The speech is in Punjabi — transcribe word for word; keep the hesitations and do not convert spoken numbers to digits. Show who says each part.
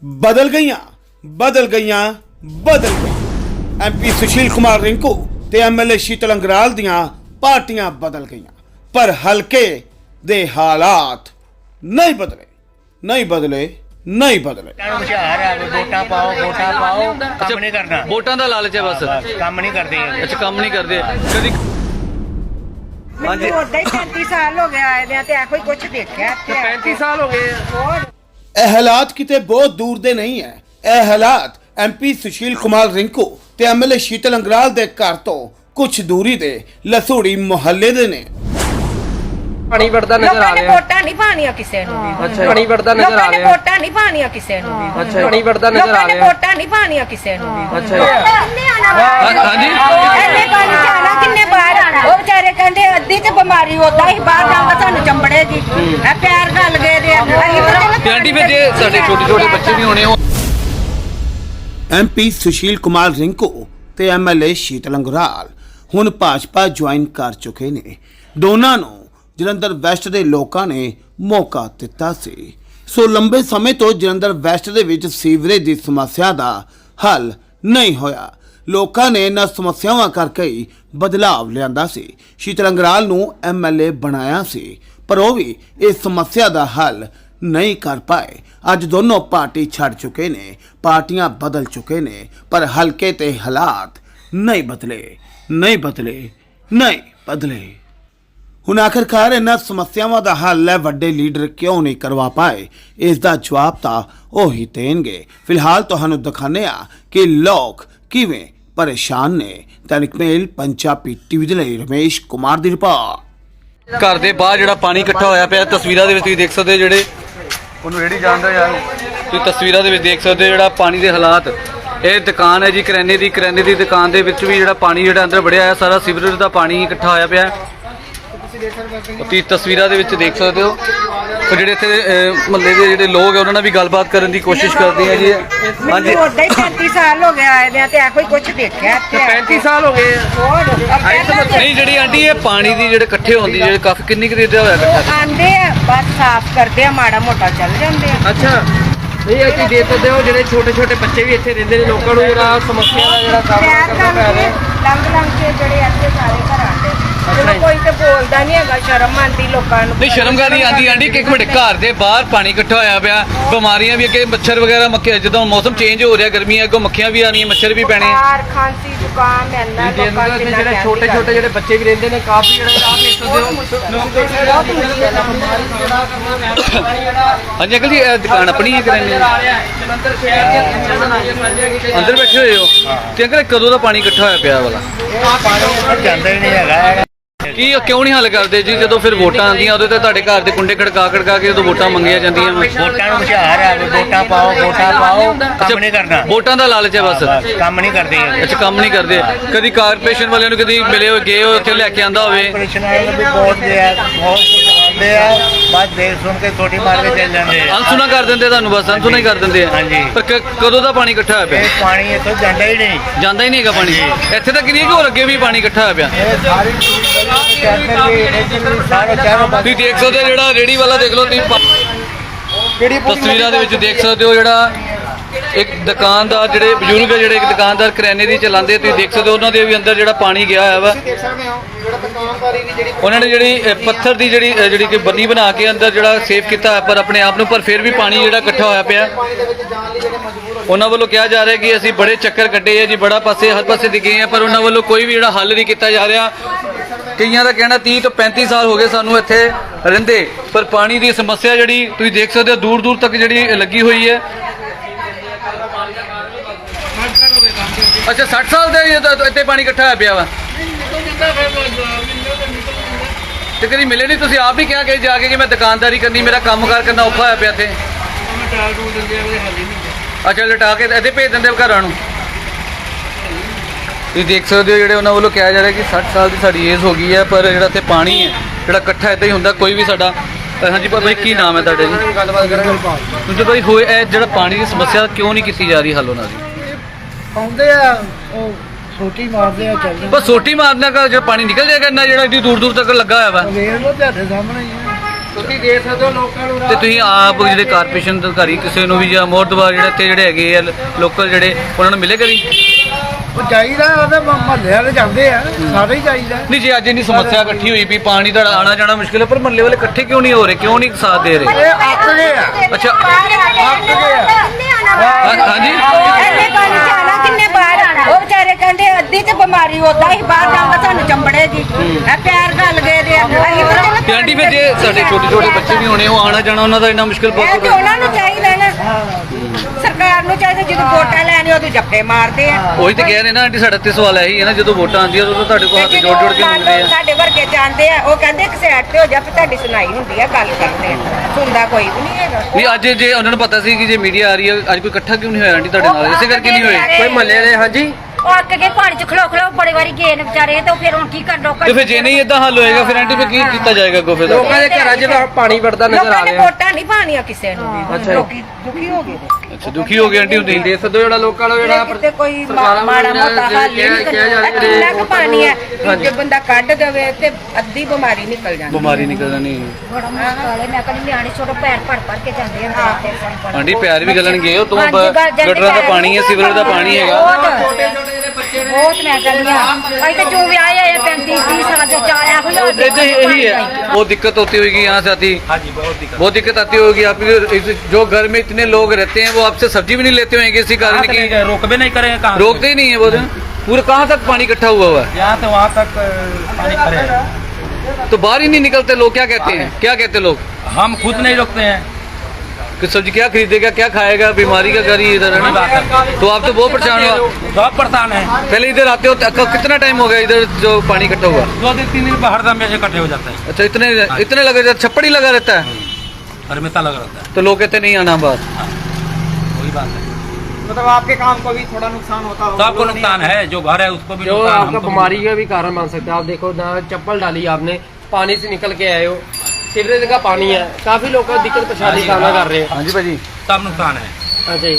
Speaker 1: बदल गईयां बदल गईयां बदल गई एम पी सुशील कुमार रिंकू ते एम एल ए शीतल अंगराल दियां पार्टियां बदल गईयां पर हलके दे हालात नहीं बदले नहीं बदले नहीं बदले।
Speaker 2: वोटा पाओ वोटा पाओ काम नहीं करना
Speaker 3: वोटां दा लालच है बस
Speaker 2: काम नहीं करते
Speaker 3: अच्छा काम नहीं करते कदी
Speaker 4: हाँ जी पैंती साल हो गया आए ते ऐ कोई कुछ देखा
Speaker 3: पैंती साल हो गए
Speaker 1: ਇਹ ਹਾਲਾਤ ਕਿਤੇ ਬਹੁਤ ਦੂਰ ਦੇ ਨਹੀਂ ਹੈ। ਇਹ ਹਾਲਾਤ ਐਮ ਪੀ ਸੁਸ਼ੀਲ ਕੁਮਾਰ ਰਿੰਕੂ ਤੇ M L A Sheetal Angural ਦੇ ਘਰ ਤੋਂ ਕੁਝ ਦੂਰੀ ਦੇ ਲਸੂੜੀ ਮੁਹੱਲੇ ਦੇ ਨੇ।
Speaker 5: ਪਾਣੀ ਵੜਦਾ ਨਜ਼ਰ ਆ ਰਿਹਾ
Speaker 4: ਵੋਟਾਂ ਨਹੀਂ ਪਾਣੀਆਂ ਕਿਸੇ ਨੂੰ ਵੀ
Speaker 5: ਅੱਛਾ ਪਾਣੀ ਵੜਦਾ ਨਜ਼ਰ ਆ ਰਿਹਾ
Speaker 4: ਵੋਟਾਂ ਨਹੀਂ ਪਾਣੀਆਂ ਕਿਸੇ ਨੂੰ ਵੀ
Speaker 5: ਅੱਛਾ ਪਾਣੀ ਵੜਦਾ ਨਜ਼ਰ ਆ ਰਿਹਾ
Speaker 4: ਵੋਟਾਂ ਨਹੀਂ ਪਾਣੀਆਂ ਕਿਸੇ ਨੂੰ ਵੀ
Speaker 5: ਅੱਛਾ
Speaker 3: ਹਾਂਜੀ
Speaker 4: ਐਨੇ ਪਾਣੀ ਜਾਣਾ ਕਿੰਨੇ ਬਾਹਰ ਉਹ ਵਿਚਾਰੇ ਕਹਿੰਦੇ ਅੱਧੀ ਤੇ ਬਿਮਾਰੀ ਹੁੰਦਾ ਹੀ ਬਾਹਰ ਜਾਵਾਂ ਤੁਹਾਨੂੰ ਚੰਬੜੇਗੀ ਇਹ ਪਿਆਰ ਗੱਲ ਗਏ ਦੇ
Speaker 3: ਤੇ ਆਂਟੀ ਫਿਰ ਜੇ ਸਾਡੇ ਛੋਟੇ ਛੋਟੇ ਬੱਚੇ ਵੀ ਹੋਣੇ
Speaker 1: ਐਮ ਪੀ ਸੁਸ਼ੀਲ ਕੁਮਾਰ ਰਿੰਕੂ ਤੇ M L A Sheetal Angural ਹੁਣ ਭਾਜਪਾ ਜੁਆਇਨ ਕਰ ਚੁੱਕੇ ਨੇ। ਦੋਨਾਂ ਨੂੰ ਜਲੰਧਰ ਵੈਸਟ ਦੇ ਲੋਕਾਂ ਨੇ ਮੌਕਾ ਦਿੱਤਾ ਸੀ। ਸੋ ਲੰਬੇ ਸਮੇਂ ਤੋਂ ਜਲੰਧਰ ਵੈਸਟ ਦੇ ਵਿੱਚ ਸੀਵਰੇਜ ਦੀ ਸਮੱਸਿਆ ਦਾ ਹੱਲ ਨਹੀਂ ਹੋਇਆ। ਲੋਕਾਂ ਨੇ ਇਹਨਾਂ ਸਮੱਸਿਆਵਾਂ ਕਰਕੇ ਹੀ ਬਦਲਾਵ ਲਿਆਂਦਾ ਸੀ। ਸ਼ੀਤਲ ਅੰਗਰਾਲ ਨੂੰ ਐਮ ਐਲ ਏ ਬਣਾਇਆ ਸੀ ਪਰ ਉਹ ਵੀ ਇਸ ਸਮੱਸਿਆ ਦਾ ਹੱਲ ਨਹੀਂ ਕਰ ਪਾਏ। ਅੱਜ ਦੋਨੋਂ ਪਾਰਟੀ ਛੱਡ ਚੁੱਕੇ ਨੇ, ਪਾਰਟੀਆਂ ਬਦਲ ਚੁੱਕੇ ਨੇ ਪਰ ਹਲਕੇ ਤੇ ਹਾਲਾਤ ਨਹੀਂ ਬਦਲੇ ਨਹੀਂ ਬਦਲੇ ਨਹੀਂ ਬਦਲੇ। ਹੁਣ ਆਖਰਕਾਰ ਇਹਨਾਂ ਸਮੱਸਿਆਵਾਂ ਦਾ ਹੱਲ ਹੈ ਵੱਡੇ ਲੀਡਰ ਕਿਉਂ ਨਹੀਂ ਕਰਵਾ ਪਾਏ, ਇਸ ਦਾ ਜਵਾਬ ਤਾਂ ਉਹ ਹੀ ਦੇਣਗੇ। ਫਿਲਹਾਲ ਤੁਹਾਨੂੰ ਦਿਖਾਉਂਦੇ ਆ ਕਿ ਲੋਕ ਕਿਵੇਂ ਪਰੇਸ਼ਾਨ ਨੇ। ਦੈਨਿਕ ਮੇਲ ਪੰਜਾਬੀ ਟੀਵੀ ਦੇ ਲਈ ਰਮੇਸ਼ ਕੁਮਾਰ ਦੀ ਰਿਪੋਰਟ।
Speaker 3: ਘਰ ਦੇ ਬਾਹਰ ਜਿਹੜਾ ਪਾਣੀ ਇਕੱਠਾ ਹੋਇਆ ਪਿਆ ਤਸਵੀਰਾਂ ਦੇ ਵਿੱਚ ਤੁਸੀਂ ਦੇਖ ਸਕਦੇ ਹੋ, ਜਿਹੜੇ ਉਹਨੂੰ ਰੇੜੀ ਜਾਣਦਾ ਯਾਰ ਤੁਸੀਂ ਤਸਵੀਰਾਂ ਦੇ ਵਿੱਚ ਦੇਖ ਸਕਦੇ ਹੋ ਜਿਹੜਾ ਪਾਣੀ ਦੇ ਹਾਲਾਤ। ਇਹ ਦੁਕਾਨ ਹੈ ਜੀ ਕਰਿਆਨੇ ਦੀ, ਕਰਿਆਨੇ ਦੀ ਦੁਕਾਨ ਦੇ ਵਿੱਚ ਵੀ ਜਿਹੜਾ ਪਾਣੀ ਜਿਹੜਾ ਅੰਦਰ ਵੜਿਆ ਹੈ ਸਾਰਾ ਸੀਵਰੇਜ ਦਾ ਪਾਣੀ ਇਕੱਠਾ ਹੋਇਆ ਪਿਆ। ਤੁਸੀਂ ਤਸਵੀਰਾਂ ਦੇ ਵਿੱਚ ਦੇਖ ਸਕਦੇ ਹੋ। ਉਹ ਜਿਹੜੇ ਇੱਥੇ ਮਹੱਲੇ ਦੇ ਜਿਹੜੇ ਲੋਕ ਹੈ ਉਹਨਾਂ ਨਾਲ ਵੀ ਗੱਲਬਾਤ ਕਰਨ ਦੀ ਕੋਸ਼ਿਸ਼ ਕਰਦੇ ਆ ਜੀ। ਹਾਂਜੀ
Speaker 4: ਉਹਦਾ ਹੀ ਪੈਂਤੀ ਸਾਲ ਹੋ ਗਿਆ ਆਏ ਤੇ ਐ ਕੋਈ ਕੁਝ ਦੇਖਿਆ
Speaker 3: ਪੈਂਤੀ ਸਾਲ ਹੋ ਗਏ ਨਹੀਂ ਜਿਹੜੀ ਆਂਟੀ ਇਹ ਪਾਣੀ ਦੀ ਜਿਹੜੇ ਇਕੱਠੇ ਹੁੰਦੀ ਜਿਹੜੇ ਕਾਫੀ ਕਿੰਨੀ ਕੁ ਦੇਰ ਦਾ ਹੋਇਆ ਇਕੱਠਾ
Speaker 4: ਆਂਦੇ ਆ ਬਸ ਸਾਫ਼ ਕਰਦੇ ਆ ਮਾੜਾ ਮੋਟਾ ਚੱਲ ਜਾਂਦੇ ਆ।
Speaker 5: ਅੱਛਾ ਨਹੀਂ ਇਹ ਕੀ ਦੇ ਸਕਦੇ ਹੋ ਜਿਹੜੇ ਛੋਟੇ ਛੋਟੇ ਬੱਚੇ ਵੀ ਇੱਥੇ ਰਹਿੰਦੇ ਨੇ ਲੋਕਾਂ ਨੂੰ ਜਿਹੜਾ ਸਮੱਸਿਆ ਦਾ ਜਿਹੜਾ ਸਾਹਮਣਾ ਕਰਨਾ ਪੈ ਰਿਹਾ
Speaker 4: ਲੰਘ ਲੰਘ ਕੇ ਜਿਹੜੇ ਇੱਥੇ ਸਾਰੇ ਘਰਾਂ ਦੇ ਚਲੋ ਕੋਈ ਤੇ ਬੋਲਦਾ ਨਹੀਂ ਹੈਗਾ, ਸ਼ਰਮ ਆਂਦੀ ਲੋਕਾਂ ਨੂੰ।
Speaker 3: ਨਹੀਂ ਸ਼ਰਮ ਕਰਨੀ ਆਂਦੀ ਆਂਟੀ ਕਿ ਇੱਕ ਮਿੰਟ ਘਰ ਦੇ ਬਾਹਰ ਪਾਣੀ ਇਕੱਠਾ ਹੋਇਆ ਪਿਆ, ਬਿਮਾਰੀਆਂ ਵੀ ਅੱਗੇ ਮੱਛਰ ਵਗੈਰਾ ਮੱਖੀਆਂ ਜਦੋਂ ਮੌਸਮ ਚੇਂਜ ਹੋ ਰਿਹਾ ਗਰਮੀਆਂ ਅੱਗੋਂ ਮੱਖੀਆਂ ਵੀ ਆਣੀਆਂ ਮੱਛਰ ਵੀ ਪੈਣੇ।
Speaker 4: ਬੁਖਾਰ ਖਾਂਸੀ ਜ਼ੁਕਾਮ ਐਨਾ ਲੋਕਾਂ ਦੇ
Speaker 5: ਜਿਹੜੇ ਛੋਟੇ ਛੋਟੇ ਜਿਹੜੇ ਬੱਚੇ ਵੀ ਰਹਿੰਦੇ ਨੇ ਕਾਫੀ ਜਿਹੜੇ ਆਪ ਦੇਖ ਸਕਦੇ ਹੋ।
Speaker 3: ਹਾਂਜੀ ਅੰਕਲ ਜੀ ਇਹ ਦੁਕਾਨ ਆਪਣੀ ਹੈ ਕਰਿਆਨੇ ਅੰਦਰ ਬੈਠੇ ਹੋਏ ਹੋ ਤੇ ਅੰਕਲ ਕਦੋਂ ਦਾ ਪਾਣੀ ਇਕੱਠਾ ਹੋਇਆ ਪਿਆ ਵਾਲਾ
Speaker 2: ਜਾਂਦਾ ਹੀ ਨਹੀਂ ਹੈਗਾ।
Speaker 3: ਕੀ ਕਿਉਂ ਨਹੀਂ ਹੱਲ ਕਰਦੇ ਜੀ? ਜਦੋਂ ਫਿਰ ਵੋਟਾਂ ਆਉਂਦੀਆਂ ਉਦੋਂ ਤੇ ਤੁਹਾਡੇ ਘਰ ਦੇ ਕੁੰਡੇ ਖੜਕਾ ਖੜਕਾ ਕੇ ਜਦੋਂ ਵੋਟਾਂ ਮੰਗੀਆਂ ਜਾਂਦੀਆਂ
Speaker 2: ਵੋਟਾਂ ਨੂੰ ਹੁਸ਼ਿਆਰ ਹੈ ਵੋਟਾ ਪਾਓ ਵੋਟਾ ਪਾਓ ਕੰਮ ਨਹੀਂ ਕਰਨਾ
Speaker 3: ਵੋਟਾਂ ਦਾ ਲਾਲਚ ਹੈ ਬਸ
Speaker 2: ਕੰਮ ਨਹੀਂ ਕਰਦੇ
Speaker 3: ਅੱਛਾ ਕੰਮ ਨਹੀਂ ਕਰਦੇ। ਕਦੀ ਕਾਰਪੋਰੇਸ਼ਨ ਵਾਲਿਆਂ ਨੂੰ ਕਦੀ ਮਿਲੇ ਹੋ ਗਏ ਹੋ ਉੱਥੇ ਲੈ ਕੇ ਆਂਦਾ ਹੋਵੇ
Speaker 2: ਆਪਰੇਸ਼ਨ ਵਾਲੇ ਨੂੰ ਵੀ ਬਹੁਤ ਦੇ ਆ ਬਹੁਤ ਆਉਂਦੇ ਆ ਬਸ ਦੇਖ ਸੁਣ ਕੇ ਛੋਟੀ ਮਾਰ ਕੇ ਚੱਲ ਜਾਂਦੇ ਆ।
Speaker 3: ਅਨਸੁਣਾ ਕਰ ਦਿੰਦੇ ਤੁਹਾਨੂੰ ਬਸ ਅਨਸੁਣਾ ਹੀ ਕਰ ਦਿੰਦੇ ਆ।
Speaker 2: ਹਾਂਜੀ।
Speaker 3: ਪਰ ਕ- ਕਦੋਂ ਦਾ ਪਾਣੀ ਇਕੱਠਾ ਹੋਇਆ ਪਿਆ?
Speaker 2: ਇਹ ਪਾਣੀ ਇੱਥੋਂ ਜਾਂਦਾ ਹੀ ਨਹੀਂ
Speaker 3: ਜਾਂਦਾ ਹੀ ਨਹੀਂ ਹੈਗਾ ਪਾਣੀ ਇੱਥੇ ਤਾਂ ਕਿੰਨੀ ਕੁ ਹੋਰ ਅੱਗੇ ਵੀ ਪਾਣੀ ਇਕੱਠਾ ਹੋਇਆ ਪਿਆ।
Speaker 2: ਇਹ ਸਾਰੀ ਕੈਂਪਰ ਵੀ ਸਾਰੇ ਚਾਰੋਂ
Speaker 3: ਤੁਸੀਂ ਦੇਖ ਸਕਦੇ ਹੋ ਜਿਹੜਾ ਰੇੜੀ ਵਾਲਾ ਦੇਖ ਲਓ ਤੁਸੀਂ ਪਾ- ਤਸਵੀਰਾਂ ਦੇ ਵਿੱਚ ਦੇਖ ਸਕਦੇ ਹੋ ਜਿਹੜਾ ਇੱਕ ਦੁਕਾਨਦਾਰ ਜਿਹੜੇ ਬਜ਼ੁਰਗ ਹੈ ਜਿਹੜੇ ਇੱਕ ਦੁਕਾਨਦਾਰ ਕਰਿਆਨੇ ਦੀ ਚਲਾਉਂਦੇ ਤੁਸੀਂ ਦੇਖ ਸਕਦੇ ਹੋ ਉਹਨਾਂ ਦੇ ਵੀ ਅੰਦਰ ਜਿਹੜਾ ਪਾਣੀ ਗਿਆ ਹੋਇਆ ਵਾ। ਉਹਨਾਂ ਨੇ ਜਿਹੜੀ ਅ, ਪੱਥਰ ਦੀ ਜਿਹੜੀ ਅ, ਜਿਹੜੀ ਕਿ ਬੰਨੀ ਬਣਾ ਕੇ ਅੰਦਰ ਜਿਹੜਾ ਸੇਵ ਕੀਤਾ ਪਰ ਆਪਣੇ ਆਪ ਨੂੰ ਪਰ ਫਿਰ ਵੀ ਪਾਣੀ ਜਿਹੜਾ ਇਕੱਠਾ ਹੋਇਆ ਪਿਆ। ਉਹਨਾਂ ਵੱਲੋਂ ਕਿਹਾ ਜਾ ਰਿਹਾ ਕਿ ਅਸੀਂ ਬੜੇ ਚੱਕਰ ਕੱਢੇ ਆ ਜੀ, ਬੜਾ ਪਾਸੇ ਹਰ ਪਾਸੇ ਦੀ ਗਏ ਆ ਪਰ ਉਹਨਾਂ ਵੱਲੋਂ ਕੋਈ ਵੀ ਜਿਹੜਾ ਹੱਲ ਨਹੀਂ ਕੀਤਾ ਜਾ ਰਿਹਾ। ਕਈਆਂ ਦਾ ਕਹਿਣਾ ਤੀਹ ਤੋਂ ਪੈਂਤੀ ਸਾਲ ਹੋ ਗਏ ਸਾਨੂੰ ਇੱਥੇ ਰਹਿੰਦੇ ਪਰ ਪਾਣੀ ਦੀ ਸਮੱਸਿਆ ਜਿਹੜੀ ਤੁਸੀਂ ਦੇਖ ਸਕਦੇ ਹੋ ਦੂਰ ਦੂਰ ਤੱਕ ਜਿਹੜੀ ਲੱਗੀ ਹੋਈ ਹੈ। ਅੱਛਾ ਸੱਠ ਸਾਲ ਦੇ ਇੱਥੇ ਪਾਣੀ ਇਕੱਠਾ ਹੋਇਆ ਪਿਆ ਵਾ ਤੇ ਕਦੀ ਮਿਲੇ ਨਹੀਂ? ਤੁਸੀਂ ਆਪ ਹੀ ਕਿਹਾ ਕਿ ਜਾ ਕੇ ਕਿ ਮੈਂ ਦੁਕਾਨਦਾਰੀ ਕਰਨੀ ਮੇਰਾ ਕੰਮ ਕਾਰ ਕਰਨਾ ਔਖਾ ਹੋਇਆ ਪਿਆ ਇੱਥੇ। ਅੱਛਾ ਲਟਾ ਕੇ ਇੱਥੇ ਭੇਜ ਦਿੰਦੇ ਘਰਾਂ ਨੂੰ। ਤੁਸੀਂ ਦੇਖ ਸਕਦੇ ਹੋ ਜਿਹੜੇ ਉਹਨਾਂ ਵੱਲੋਂ ਕਿਹਾ ਜਾ ਰਿਹਾ ਕਿ ਸੱਠ ਸਾਲ ਦੀ ਸਾਡੀ ਏਜ ਹੋ ਗਈ ਹੈ ਪਰ ਜਿਹੜਾ ਇੱਥੇ ਪਾਣੀ ਹੈ ਜਿਹੜਾ ਇਕੱਠਾ ਇੱਦਾਂ ਹੀ ਹੁੰਦਾ ਕੋਈ ਵੀ ਸਾਡਾ। ਹਾਂਜੀ ਭਾਈ ਕੀ ਨਾਮ ਹੈ ਤੁਹਾਡਾ ਜੀ?
Speaker 5: ਗੱਲਬਾਤ ਕਰਾਂਗੇ
Speaker 3: ਤੁਸੀਂ ਭਾਈ ਹੋਏ ਇਹ ਜਿਹੜਾ ਪਾਣੀ ਦੀ ਸਮੱਸਿਆ ਕਿਉਂ ਨਹੀਂ ਕੀਤੀ ਜਾ ਰਹੀ ਹੱਲ ਉਹਨਾਂ ਦੀ?
Speaker 6: ਆਉਂਦੇ ਆ ਉਹ ਸੋਟੀ ਮਾਰਦੇ ਆ ਚੱਲ
Speaker 3: ਬਸ ਸੋਟੀ ਮਾਰਨਾ ਕਾ ਜਿਹੜਾ ਪਾਣੀ ਨਿਕਲ ਜਾਏਗਾ ਇੰਨਾ ਜਿਹੜਾ ਇੱਡੀ ਦੂਰ ਦੂਰ ਤੱਕ ਲੱਗਾ ਹੋਇਆ ਵਾ।
Speaker 6: ਵੇਖ ਲੋ ਤੁਹਾਡੇ ਸਾਹਮਣੇ ਹੀ ਆ।
Speaker 5: ਤੁਸੀਂ ਦੇਖ ਸਕਦੇ ਹੋ ਲੋਕਾਂ ਨੂੰ
Speaker 3: ਤੇ ਤੁਸੀਂ ਆਪ ਜਿਹੜੇ ਕਾਰਪੋਰੇਸ਼ਨ ਦੇ ਅਧਿਕਾਰੀ ਕਿਸੇ ਨੂੰ ਵੀ ਜਾਂ ਮੋਹਤਬਾਰ ਜਿਹੜੇ ਇੱਥੇ ਜਿਹੜੇ ਹੈਗੇ ਆ ਲੋਕਲ ਜਿਹੜੇ ਉਹਨਾਂ ਨੂੰ ਮਿਲੇ ਕਦੀ?
Speaker 6: ਉਹ ਚਾਹੀਦਾ ਉਹਦੇ ਮਹੱਲੇ ਵਾਲੇ ਜਾਂਦੇ ਆ ਸਾਰੇ ਹੀ ਚਾਹੀਦਾ।
Speaker 3: ਨਹੀਂ ਜੀ ਅੱਜ ਇੰਨੀ ਸਮੱਸਿਆ ਇਕੱਠੀ ਹੋਈ ਵੀ ਪਾਣੀ ਦਾ ਆਣਾ ਜਾਣਾ ਮੁਸ਼ਕਿਲ ਹੈ, ਪਰ ਮਹੱਲੇ ਵਾਲੇ ਇਕੱਠੇ ਕਿਉਂ ਨਹੀਂ ਹੋ ਰਹੇ, ਕਿਉਂ ਨਹੀਂ ਸਾਥ ਦੇ ਰਹੇ?
Speaker 6: ਇਹ ਅੱਕ ਗਏ ਆ
Speaker 3: ਅੱਛਾ
Speaker 6: ਅੱਕ ਗਏ ਆ
Speaker 3: ਹਾਂ- ਹਾਂਜੀ
Speaker 4: ਇੰਨੇ ਪਾਣੀ ਚ ਆਣਾ ਕਿੰਨੇ ਬਾਹਰ ਉਹ ਵਿਚਾਰੇ ਕਹਿੰਦੇ ਅੱਧੀ ਤੇ ਬਿਮਾਰੀ ਹੁੰਦਾ ਹੀ ਬਾਹਰ ਜਾਊਗਾ ਸਾਨੂੰ ਚੰਬੜੇਗੀ ਇਹ ਪੈਰ ਗਲ ਗਏ ਦੇ ਆ। ਅਸੀਂ ਤਾਂ ਚਲੋ
Speaker 3: ਤੇ ਆਂਟੀ ਫਿਰ ਜੇ ਸਾਡੇ ਛੋਟੇ ਛੋਟੇ ਬੱਚੇ ਵੀ ਹੋਣੇ, ਉਹ ਆਣਾ ਜਾਣਾ ਉਹਨਾਂ ਦਾ ਇੰਨਾ ਮੁਸ਼ਕਿਲ
Speaker 4: ਇਹ ਤੇ
Speaker 3: ਬਹੁਤ
Speaker 4: ਉਹਨਾਂ ਨੂੰ ਚਾਹੀਦਾ ਨਾ, ਸਰਕਾਰ ਨੂੰ ਚਾਹੀਦਾ ਜਦੋਂ ਵੋਟਾਂ ਲੈਣੇ ਉਦੋਂ ਜੱਫੇ ਮਾਰਦੇ ਆ।
Speaker 3: ਉਹੀ ਤੇ ਕਹਿ ਰਹੇ ਨਾ ਆਂਟੀ, ਸਾਡਾ ਤੇ ਸਵਾਲ ਇਹੀ ਹੈ ਨਾ, ਜਦੋਂ ਵੋਟਾਂ ਆਉਂਦੀਆਂ ਉਦੋਂ ਤੁਹਾਡੇ ਕੋਲ ਹੱਥ ਜੋੜ ਜੋੜ ਕੇ ਮੰਗਦੇ ਆ।
Speaker 4: ਸਾਡੇ ਵਰਗੇ ਜਾਂਦੇ ਆ ਉਹ ਕਹਿੰਦੇ ਇੱਕ ਸਾਈਡ ਤੇ ਹੋ ਜਾ ਫਿਰ ਤੁਹਾਡੀ ਸੁਣਾਈ ਹੁੰਦੀ ਆ, ਗੱਲ ਕਰਦੇ ਆ, ਸੁਣਦਾ ਕੋਈ ਵੀ ਨਹੀਂ ਹੈਗਾ।
Speaker 3: ਨਹੀਂ ਅੱਜ ਜੇ ਉਹਨਾਂ ਨੂੰ ਪਤਾ ਸੀ ਕਿ ਜੇ ਮੀਡੀਆ ਆ ਰਹੀ ਹੈ, ਅੱਜ ਕੋਈ ਇਕੱਠਾ ਕਿਉਂ ਨਹੀਂ ਹੋਇਆ ਆਂਟੀ ਤੁਹਾਡੇ ਨਾਲ? ਇਸੇ ਕਰਕੇ ਨਹੀਂ ਹੋਏ।
Speaker 5: ਕੋਈ ਮਹੱਲੇ ਵਾਲੇ ਹਾਂਜੀ
Speaker 7: ਉਹ ਅੱਕ ਕੇ ਪਾਣੀ ਚ ਖਲੋ ਖਲੋ ਬੜੇ ਵਾਰੀ ਗਏ ਨੇ ਵਿਚਾਰੇ, ਤੇ ਫਿਰ ਹੁਣ ਕੀ ਕਰ ਲੋਕਾਂ
Speaker 3: ਤੇ ਫਿਰ ਜੇ ਨਹੀਂ ਇਦਾਂ ਹੱਲ ਹੋਏਗਾ ਫਿਰ ਆਂਟੀ ਫਿਰ ਕੀ ਕੀਤਾ ਜਾਏਗਾ ਅੱਗੋਂ ਫਿਰ?
Speaker 5: ਲੋਕਾਂ ਦੇ ਘਰਾਂ 'ਚ ਤਾਂ ਪਾਣੀ ਵੜਦਾ ਨਜ਼ਰ ਆ
Speaker 4: ਲੋਕਾਂ ਨੇ
Speaker 5: ਰਿਹਾ।
Speaker 4: ਵੋਟਾਂ ਨਹੀਂ ਪਾਣੀਆਂ ਕਿਸੇ ਨੂੰ ਵੀ, ਲੋਕੀ ਦੁਖੀ ਹੋ ਗਏ ਨੇ।
Speaker 3: ਅੱਛਾ ਦੁਖੀ ਹੋ ਗਏ ਆਂਟੀ ਹੁੰਦੀ
Speaker 5: ਦੇਖ ਸਕਦੇ ਹੋ ਜਿਹੜਾ ਲੋਕਾਂ ਨੂੰ ਜਿਹੜਾ
Speaker 4: ਕਿਤੇ ਕੋਈ
Speaker 5: ਸਰਕਾਰਾਂ
Speaker 4: ਮਾੜਾ
Speaker 5: ਵੱਲੋਂ
Speaker 4: ਮੋਟਾ
Speaker 5: ਜਿਹੜਾ
Speaker 4: ਹੱਲ ਨਹੀਂ
Speaker 5: ਕਿਹਾ ਜਾ ਰਿਹਾ
Speaker 4: ਕਰਦਾ, ਕਿੰਨਾ ਕੁ ਪਾਣੀ ਹੈ
Speaker 5: ਹਾਂਜੀ।
Speaker 4: ਜੇ ਬੰਦਾ ਕੱਢ ਦੇਵੇ ਤੇ ਅੱਧੀ ਬਿਮਾਰੀ ਨਿਕਲ ਜਾਂਦੀ।
Speaker 3: ਬਿਮਾਰੀ ਨਿਕਲ ਜਾਣੀ।
Speaker 7: ਬੜਾ ਮੁਸ਼ਕਲ ਹੈ। ਮੈਂ ਕਹਿੰਦੀ ਨਿਆਣੇ ਛੋਟੇ ਪੈਰ ਭਰ ਭਰ ਕੇ ਜਾਂਦੇ ਆ।
Speaker 3: ਆਂਟੀ ਪਿਆਰ ਵੀ ਗਲਣਗੇ, ਉਹ ਤੋਂ
Speaker 7: ਹਾਂਜੀ, ਗੱਲ ਜਾਂਦੇ
Speaker 3: ਗਟਰਾਂ ਦਾ
Speaker 7: ਪੈਰ।
Speaker 3: ਪਾਣੀ ਹੈ, ਸੀਵਰੇਜ ਦਾ ਪਾਣੀ ਹੈਗਾ।
Speaker 7: ਬਹੁਤ ਬਹੁਤ ਮੈਂ ਕਹਿੰਦੀ ਆ ਅਸੀਂ ਤਾਂ ਜੋ ਵਿਆਹ ਆਏ ਪੈਂਤੀ तीस साल से जा रहा है।
Speaker 3: ऐसे यही है, बहुत दिक्कत होती होगी यहाँ से आती। हाँ जी बहुत दिक्कत बहुत दिक्कत आती होगी आपकी। जो घर में इतने लोग रहते हैं वो आपसे सब्जी भी नहीं लेते होंगे इसी कारण की।
Speaker 8: रोक भी नहीं करेंगे कहाँ
Speaker 3: रोकते ही नहीं है वो। पूरे कहाँ तक पानी इकट्ठा हुआ हुआ है?
Speaker 8: यहाँ तो वहाँ तक पानी खड़े हैं।
Speaker 3: तो बाहर ही नहीं निकलते लोग, क्या कहते हैं, क्या कहते लोग?
Speaker 8: हम खुद नहीं रोकते हैं।
Speaker 3: कि सब्जी क्या खरीदेगा, क्या खाएगा, बीमारी का घर ही इधर है ना। तो आप तो बहुत परेशान हो।
Speaker 8: बहुत परेशान है।
Speaker 3: पहले इधर आते हो तो कितना टाइम हो गया इधर जो पानी इकट्ठा हुआ?
Speaker 8: दो दिन तीन दिन पर हरदम में इकट्ठे हो जाता है।
Speaker 3: अच्छा इतने इतने लगे रहता, छप्पड़ ही लगा रहता है
Speaker 8: हमेशा लगा रहता है।
Speaker 3: तो लोग कहते नहीं आना बात।
Speaker 8: वही बात है,
Speaker 5: मतलब आपके काम को भी थोड़ा नुकसान होता होगा।
Speaker 8: सबको नुकसान है, जो घर है उसको भी
Speaker 5: जो
Speaker 8: नुकसान,
Speaker 5: आपका
Speaker 8: हमको भी
Speaker 5: बीमारी का भी कारण बन सकता है। आप देखो ना, चप्पल डाली आपने, पानी से निकल के आए हो, सीवरेज का पानी है, काफी लोग दिक्कत परेशानी का सामना कर रहे हैं।
Speaker 3: हाँ जी भाजी
Speaker 8: सब नुकसान है।
Speaker 5: अच्छा जी।